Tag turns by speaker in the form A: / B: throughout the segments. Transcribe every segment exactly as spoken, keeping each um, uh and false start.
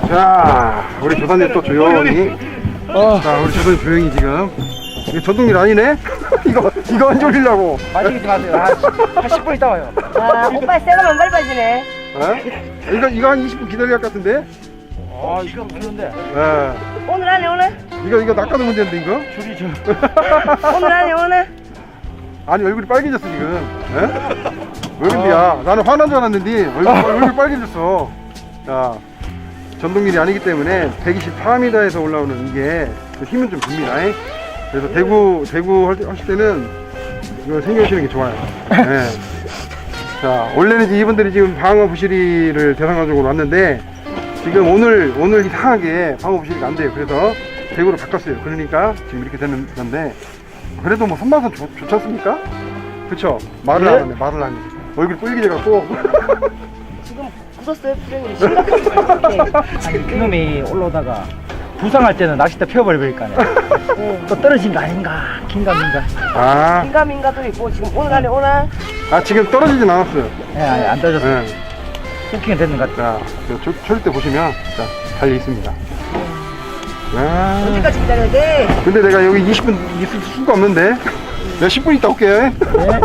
A: 자, 우리 조사님 또 조용히. 어. 자, 우리 조사님 조용히 지금. 이게 전동일 아니네? 이거, 이거 안 졸리려고.
B: 마시지 마세요. 한, 한 십 분 있다 와요.
C: 아, 오빠 새거만 빨리 빠지네.
A: 에? 이거, 이거 한 이십 분 기다려야 할 것 같은데?
B: 아, 이거 무는데
A: 예.
C: 오늘 안에 오늘?
A: 이거, 이거 낚아도 문제인데, 이거?
B: 줄이 저.
C: 오늘 안에 오늘?
A: 아니, 얼굴이 빨개졌어, 지금. 에? 왜 그런데야? 나는 화난 줄 알았는데, 얼굴, 얼굴이 빨개졌어. 자, 전동밀이 아니기 때문에 백이십사 미터에서 올라오는 이게 힘은 좀 줍니다. 에? 그래서 대구, 대구 할 때- 하실 때는 이거 생겨주시는 게 좋아요. 예. 자, 원래는 이제 이분들이 지금 방어 부시리를 대상가족으로 왔는데, 지금 오늘, 오늘 이상하게 방어 부시리가 안 돼요. 그래서 대구로 바꿨어요. 그러니까 지금 이렇게 되는 건데, 그래도 뭐 손맛은 좋, 좋지 않습니까? 그쵸? 말을
B: 네?
A: 안 하네, 말을 안 해. 얼굴이 빨개져갖고.
C: 지금 굳었어요, 프레임이. 심각하게.
B: 아니, 그놈이 올라오다가 부상할 때는 낚싯대 펴버릴 거 아니야.
C: 응.
B: 또 떨어진 거 아닌가? 긴가민가?
A: 아,
C: 민가민가도 있고, 지금 오늘 안에 오늘?
A: 아, 지금 떨어지진 않았어요.
B: 예, 아니, 안 떨어졌어.
A: 예.
B: 후킹은 됐는 것 같아.
A: 자, 저, 저, 때 보시면, 자, 달려 있습니다. 아,
C: 언제까지 기다려야 돼?
A: 근데 내가 여기 이십 분 있을 수가 없는데. 내가 십 분 있다 올게.
B: 네.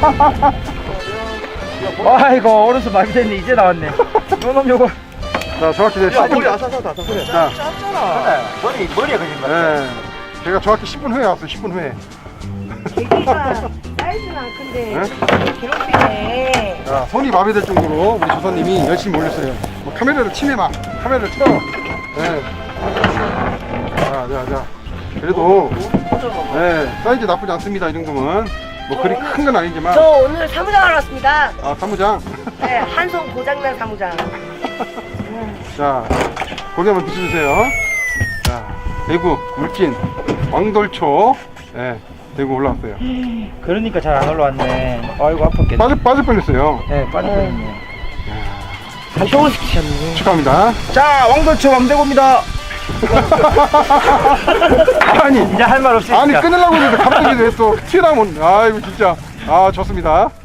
B: 아이고, 오른손 많이 됐네. 이제 나왔네. 요놈 요거.
A: 자, 정확히 내가 십 분.
B: 아사사다, 아사사다.
A: 자,
B: 짰잖아. 머리, 머리에 걸린 거야.
A: 예. 제가 정확히 십 분 후에 왔어요, 십 분 후에.
C: 개기가 사이즈는 안 큰데,
A: 네?
C: 괴롭히네.
A: 자, 손이 마비될 정도로 우리 조사님이 열심히 올렸어요. 뭐 카메라를 치매 막, 카메라를 틀어. 예. 자, 자, 자. 그래도, 예, 사이즈 나쁘지 않습니다, 이 정도면. 뭐 그리 큰 건 아니지만.
C: 저 오늘 사무장 하러 왔습니다.
A: 아, 사무장.
C: 네, 한손 고장난 사무장.
A: 자, 고개 한번 비춰주세요. 자, 대구, 울진, 왕돌초. 예, 대구 올라왔어요.
B: 그러니까 잘 안 올라왔네. 아이고, 아팠겠네.
A: 빠질, 빠질 뻔했어요.
B: 네, 빠졌네.
C: 한쪽을 시키셨네.
A: 축하합니다.
B: 자, 왕돌초 왕대고입니다.
A: 아니,
B: 이제 할 말 없으니까.
A: 아니, 끊으려고 했는데 갑자기 왜 또 튀어나오면, 아이고, 진짜. 아, 좋습니다.